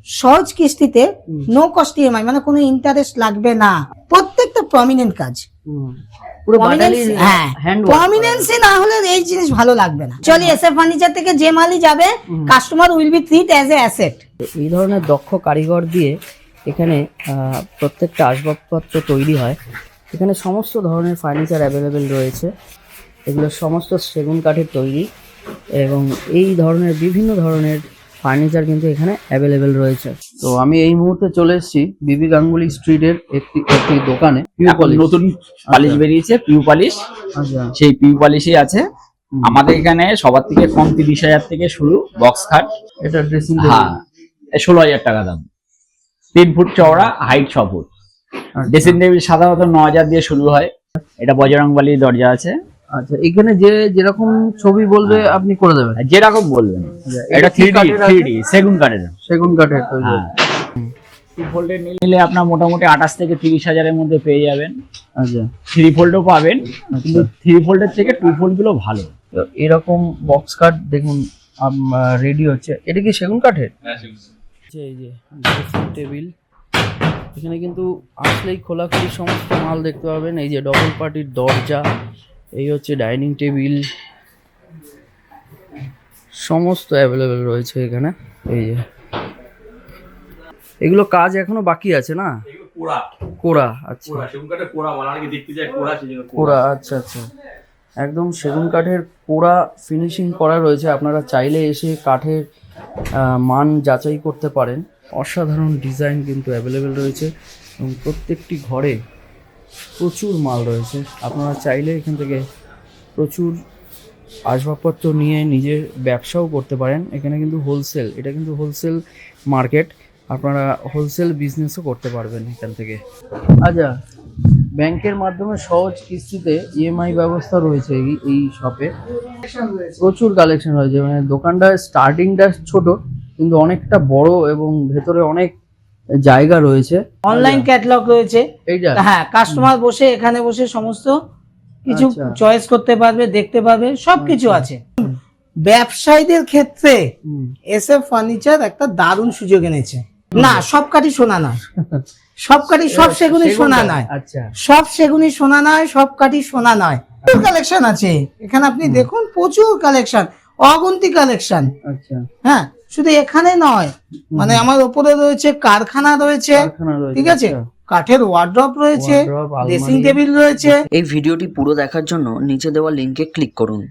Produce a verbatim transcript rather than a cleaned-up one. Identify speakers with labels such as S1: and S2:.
S1: সহজ কিস্তিতে no cost EMI, মানে কোনো ইন্টারেস্ট লাগবে না। প্রত্যেকটা প্রমিনেন্ট কাজ,
S2: পুরো বাটালি
S1: হ্যাঁ
S2: হ্যান্ড
S1: প্রমিনেন্সি না হলে এই জিনিস ভালো লাগবে না। চলি এসএফ ফার্নিচার থেকে যে মালই যাবে customer will be treat as a asset.
S2: এই ধরনের দক্ষ কারিগর দিয়ে এখানে আহ, প্রত্যেকটা আসবাবপত্র তৈরি হয়। এখানে সমস্ত ধরনের ফার্নিচার অ্যাভেলেবেল রয়েছে। এগুলো সমস্ত সেগুন কাঠের তৈরি এবং এই ধরনের বিভিন্ন ধরনের ফার্নিচার কিন্তু এখানে অ্যাভেলেবেল রয়েছে। তো আমি এই মুহূর্তে চলে এসেছি বিবি গাঙ্গুলি স্ট্রিটের একটি একটি দোকানে।
S3: এখন নতুন পালিশ বেরিয়েছে পিউ পালিশ,
S2: আচ্ছা
S3: সেই পিউ পালিশই আছে আমাদের এখানে। সবার থেকে কম তিরিশ হাজার থেকে শুরু বক্স খাট।
S2: এটা ড্রেসিং
S3: হ্যাঁ, ষোলো হাজার টাকা দাম, তিন ফুট চওড়া, হাইট ছ ফুট। ড্রেসিং টেবিল সাধারণত ন হাজার দিয়ে শুরু হয়। এটা বজরংবলীর দরজা আছে।
S2: আচ্ছা, এখানে যে যেরকম ছবি বলবে আপনি করে দেবেন,
S3: যেরকম বলবেন। এটা থ্রি ডি থ্রি ডি সেগুন কাঠের
S2: সেগুন কাঠের তৈরি।
S3: হ্যাঁ, টু ফোল্ডের নিলে আপনার মোটামুটি আঠাশ থেকে তিরিশ হাজারের মধ্যে পেয়ে যাবেন।
S2: আচ্ছা,
S3: থ্রি ফোল্ডও পাবেন, কিন্তু থ্রি ফোল্ডের থেকে টু ফোল্ড গুলো ভালো।
S2: তো এরকম বক্স কাঠ দেখুন রেডি হচ্ছে। এটা কি সেগুন কাঠের? এই যে ড্রেসিং টেবিল, এখানে কিন্তু আসলেই খোলাখুলি সমস্ত মাল দেখতে পাবেন। এই যে ডবল পার্টির দরজা, এই হচ্ছে ডাইনিং টেবিল, সমস্ত অ্যাভেলেবেল রয়েছে এখানে। এই যে এগুলো কাজ এখনো বাকি আছে না? কোড়া, আচ্ছা কোড়া, আচ্ছা আচ্ছা, একদম সেগুন কাঠের কোড়া ফিনিশিং করা রয়েছে। আপনারা চাইলে এসে কাঠের আহ, মান যাচাই করতে পারেন। অসাধারণ ডিজাইন কিন্তু অ্যাভেলেবেল রয়েছে এবং প্রত্যেকটি ঘরে প্রচুর মাল রয়েছে। আপনারা চাইলে এখান থেকে প্রচুর আসবাবপত্র নিয়ে নিজের ব্যবসাও করতে পারেন। এখানে কিন্তু হোলসেল, এটা কিন্তু হোলসেল মার্কেট, আপনারা হোলসেল বিজনেসও করতে পারবেন এখান থেকে। আচ্ছা, ব্যাংকের মাধ্যমে সহজ কিস্তিতে ইএমআই ব্যবস্থা রয়েছে এই এই শপে। প্রচুর কালেকশন রয়েছে, মানে দোকানটা স্টার্টিংটা ছোট কিন্তু অনেকটা বড় এবং ভেতরে অনেক জায়গা রয়েছে।
S1: অনলাইন ক্যাটালগ রয়েছে,
S2: এইটা
S1: হ্যাঁ কাস্টমার বসে এখানে বসে সমস্ত কিছু
S2: আচ্ছা।
S1: চয়েস করতে পারবে, দেখতে পাবে, সবকিছু আছে। ব্যবসায়ীদের ক্ষেত্রে এসএফ ফার্নিচার একটা দারুণ সুযোগ এনেছে। না সব কাঠি সোনা নয়, সব কাঠি সব সেগুনি সোনা নয়,
S2: আচ্ছা
S1: সব সেগুনি সোনা নয়, সব কাঠি সোনা নয়। প্রচুর কালেকশন আছে এখানে, আপনি দেখুন প্রচুর কালেকশন, অগুন্তি কালেকশন।
S2: আচ্ছা,
S1: হ্যাঁ শুধু এখানে নয়, মানে আমার উপরে রয়েছে কারখানা রয়েছে,
S2: কারখানা রয়েছে,
S1: ঠিক আছে,
S2: আচ্ছা।
S1: কাঠের ওয়ার্ড্রপ রয়েছে,
S2: Wardrobe, আলমারি।
S1: ড্রেসিং টেবিল রয়েছে।
S4: এই ভিডিওটি পুরো দেখার জন্য নিচে দেওয়া লিংকে ক্লিক করুন।